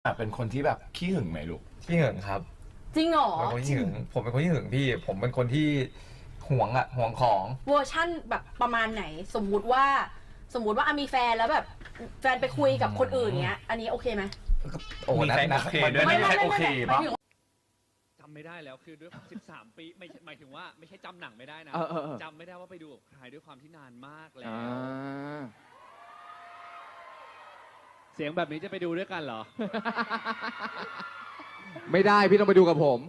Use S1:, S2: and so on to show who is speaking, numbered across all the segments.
S1: เป็นคนที่แบบขี้หึงไหมลูก
S2: ขี้หึงครับ
S3: จริงเหรอ
S2: เป็นคนขี้หึงผมเป็นคนขี้หึงพี่ผมเป็นคนที่หวงของ
S3: เวอร์ชั่นแบบประมาณไหนสมมุติว่ามีแฟนแล้วแบบแฟนไปคุยกับคนอื่นเงี้ยอันนี้โอเคไหม
S2: โอ้นะ
S1: โอเคด้วยไม่โอเคปะ
S4: จำไม่ได้แล้วคือด้วย13 ปีไม่หมายถึงว่าไม่ใช่จำหนังไม่ได้นะจำไม่ได้ว่าไปดูกับใครด้วยความที่นานมากแล้วเสียงแบบนี้จะไปดูด้วยกันเหรอ
S5: ไม่ได้พี่ต้องไปดูกับผม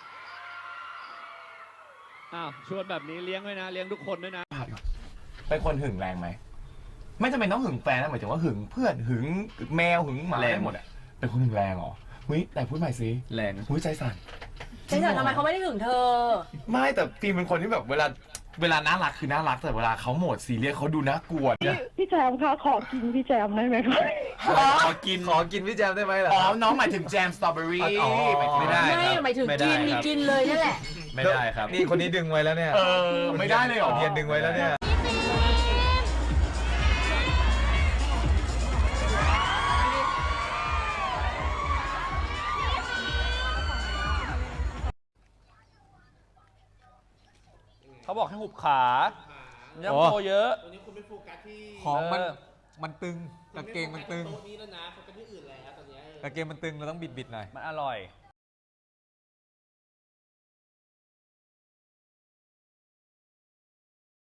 S4: อ้าวชวนแบบนี้เลี้ยงด้วยนะเลี้ยงทุกคนด้วยนะ
S1: เป็นคนหึงแรงไหมไม่จำเป็นต้องหึงแฟนนะหมายถึงว่าหึงเพื่อนหึงแมวหึงหมาแรงหมดอ่ะเป็นคนหึงแรงเหรอหุ้ยแต่พูดใหม่สิ
S2: แรง
S1: หุ้ยใจสั่น
S3: ทำไมเขาไม่ได้หึงเธอ
S1: ไม่แต่ฟิล์มเป็นคนที่แบบเวลาน่ารักคือน่ารักแต่เวลาเขาโหมดซีเรียสเขาดูน่ากลัว
S6: พี่แจมคะขอกินพี่แจมได้ไหมคะ
S1: ขอกินพี่แจมได้ไหมล่ะอ๋อน้องหมายถึงแจมสตรอเบอรี่
S2: ไม่ได้
S3: หมายถึงกินมีกินเลยนั่นแหละ
S2: ไม่ได้ครับนี่คนนี้ดึงไว้แล้วเนี่ย
S1: ไม่ได้เลยเหรอ
S2: เทียนดึงไว้แล้วเนี่ย
S7: เขาบอกให้หุบขาย่ำโตเยอะ
S8: ตัวนี้คุณไม่โฟกัสที่
S2: ของมันตึงกางเกงมันตึง
S8: โต๊ะนี้แล้วนะโฟกัสที่อื่นแล้วตอนนี้
S2: กางเกงมันตึงเราต้องบิดหน่อย
S7: มันอร่อย